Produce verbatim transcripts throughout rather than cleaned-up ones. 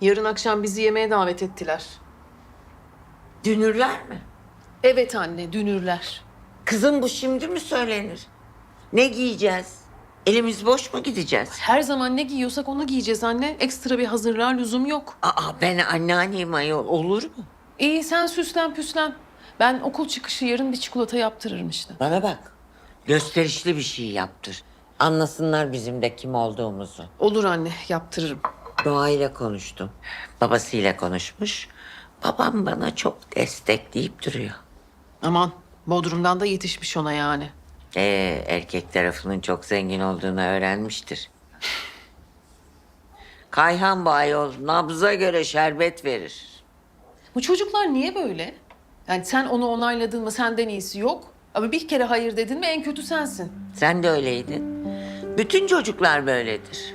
Yarın akşam bizi yemeğe davet ettiler. Dünürler mi? Evet anne, dünürler. Kızım bu şimdi mi söylenir? Ne giyeceğiz? Elimiz boş mu gideceğiz? Her zaman ne giyiyorsak onu giyeceğiz anne. Ekstra bir hazırlığa lüzum yok. Aa ben anneanneyim ayol, olur mu? İyi sen süslen püslen. Ben okul çıkışı yarın bir çikolata yaptırırım işte. Bana bak. Gösterişli bir şey yaptır. Anlasınlar bizim de kim olduğumuzu. Olur anne, yaptırırım. Doğa ile konuştum. Babasıyla konuşmuş. Babam bana çok destekleyip duruyor. Aman, Bodrum'dan da yetişmiş ona yani. Ee, erkek tarafının çok zengin olduğunu öğrenmiştir. Kayhan bu ayol nabza göre şerbet verir. Bu çocuklar niye böyle? Yani sen onu onayladın mı senden iyisi yok. Ama bir kere hayır dedin mi en kötü sensin. Sen de öyleydin. Bütün çocuklar böyledir.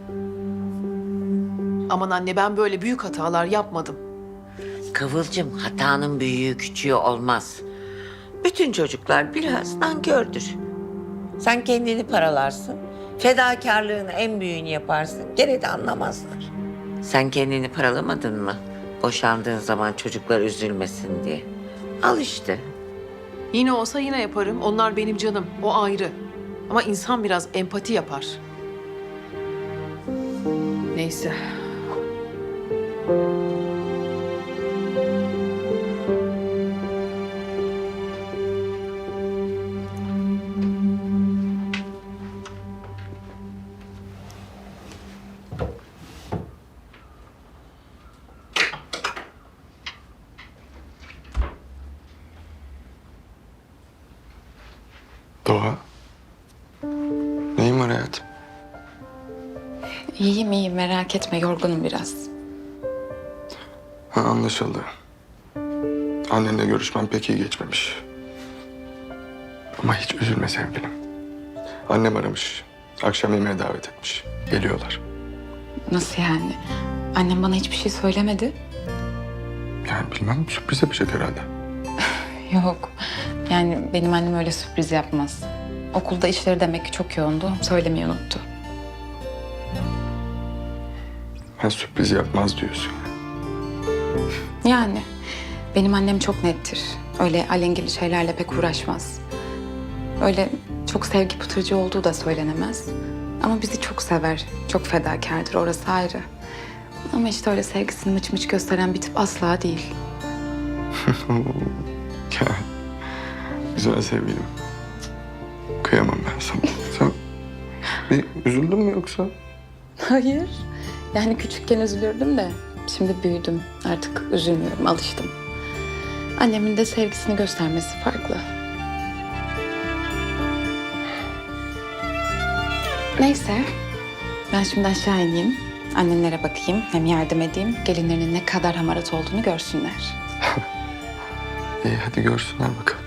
Aman anne ben böyle büyük hatalar yapmadım. Kıvılcım hatanın büyüğü küçüğü olmaz. Bütün çocuklar biraz nankördür. Sen kendini paralarsın. Fedakarlığın en büyüğünü yaparsın. Gene de anlamazlar. Sen kendini paralamadın mı? Boşandığın zaman çocuklar üzülmesin diye. Al işte. Yine olsa yine yaparım. Onlar benim canım. O ayrı. Ama insan biraz empati yapar. Neyse. Doğa. Neyin var hayatım? İyiyim iyiyim merak etme yorgunum biraz. Ha, anlaşıldı. Annenle görüşmem pek iyi geçmemiş. Ama hiç üzülme sevgilim. Annem aramış. Akşam yemeğe davet etmiş. Geliyorlar. Nasıl yani? Annem bana hiçbir şey söylemedi. Yani bilmem sürpriz yapacak herhalde. Yok. Yani benim annem öyle sürpriz yapmaz. Okulda işleri demek ki çok yoğundu. Söylemeyi unuttu. Ha, sürpriz yapmaz diyorsun. Yani benim annem çok nettir. Öyle alengili şeylerle pek uğraşmaz. Öyle çok sevgi pıtırcı olduğu da söylenemez. Ama bizi çok sever. Çok fedakardır. Orası ayrı. Ama işte öyle sevgisini mıç mıç gösteren bir tip asla değil. Ya, güzel sevgilim. Kıyamam ben sana. Sen bir üzüldün mü yoksa? Hayır. Yani küçükken üzülürdüm de şimdi büyüdüm. Artık üzülmüyorum, alıştım. Annemin de sevgisini göstermesi farklı. Neyse. Ben şimdi aşağı ineyim. Annenlere bakayım, hem yardım edeyim. Gelinlerinin ne kadar hamarat olduğunu görsünler. İyi hadi görsünler bakalım.